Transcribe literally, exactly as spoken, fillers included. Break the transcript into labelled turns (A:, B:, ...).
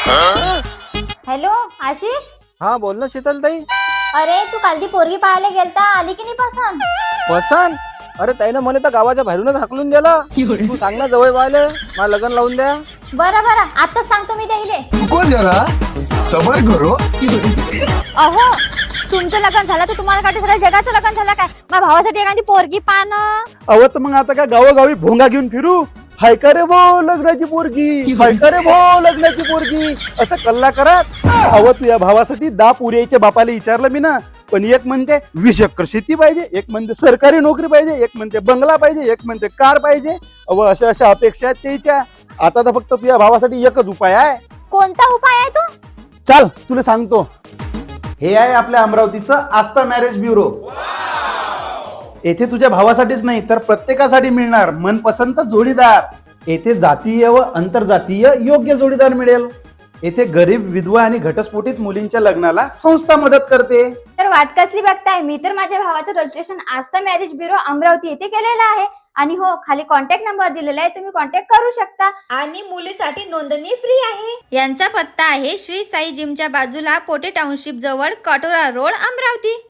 A: Hello Ashish.
B: हा बोल ना शीतल ताई.
A: अरे तू काल ती पोरगी पाहायला गेलता, आली की नाही पसंत?
B: पसंत? अरे ताईनं मला तर गावाच्या बाहेरूनच हाकलून दिला. तू सांग ना जवळ पाहिले मला लग्न लावून द्या.
A: बरं बरं आताच सांगतो मी त्याईले.
C: रुको जरा सबर करो.
A: अहो तुमचं लग्न झालं तर तुम्हाला काय सगळ्या जगाचं लग्न झालं काय? माझ्या भावासाठी एखादी पोरगी पाहणं.
B: अव तर मग आता काय गावोगावी भोंगा घेऊन फिरू? हाय का रे भो लग्नाची पोरगी, हाय का रे भो लग्नाची पोरगी असं कल्ला करत. अव तुझ्या भावासाठी दहा पुऱ्याच्या बापाला विचारलं मी ना, पण एक म्हणते वीस एकर शेती पाहिजे, एक म्हणते सरकारी नोकरी पाहिजे, एक म्हणते बंगला पाहिजे, एक म्हणते कार पाहिजे. अव अशा अशा अपेक्षा आहेत त्याच्या. आता तर फक्त तुझ्या भावासाठी एकच उपाय आहे.
A: कोणता उपाय आहे तो?
B: चाल तुला सांगतो. हे आहे आपल्या अमरावतीचं आस्था मॅरेज ब्युरो. येथे तुझ्या भावासाठीच नाही तर प्रत्येकासाठी मिळणार मनपसंत जोडीदार. येथे जातीय व आंतरजातीय योग्य जोडीदार मिळेल. येथे गरीब विधवा आणि घटस्फोटित मुलींच्या लग्नाला संस्था मदत करते.
A: तर वाट कसली बघताय? मी तर माझ्या भावाचं registration Aastha marriage bureau Amravati येथे केलेलं आहे. आणि हो खाली कॉन्टॅक्ट नंबर दिलेला आहे, तुम्ही कॉन्टॅक्ट करू शकता. आणि मुलीसाठी नोंदणी फ्री आहे. यांचा पत्ता आहे श्री साई जिमच्या बाजूला पोटे टाउनशिप जवळ कटोरा रोड अमरावती.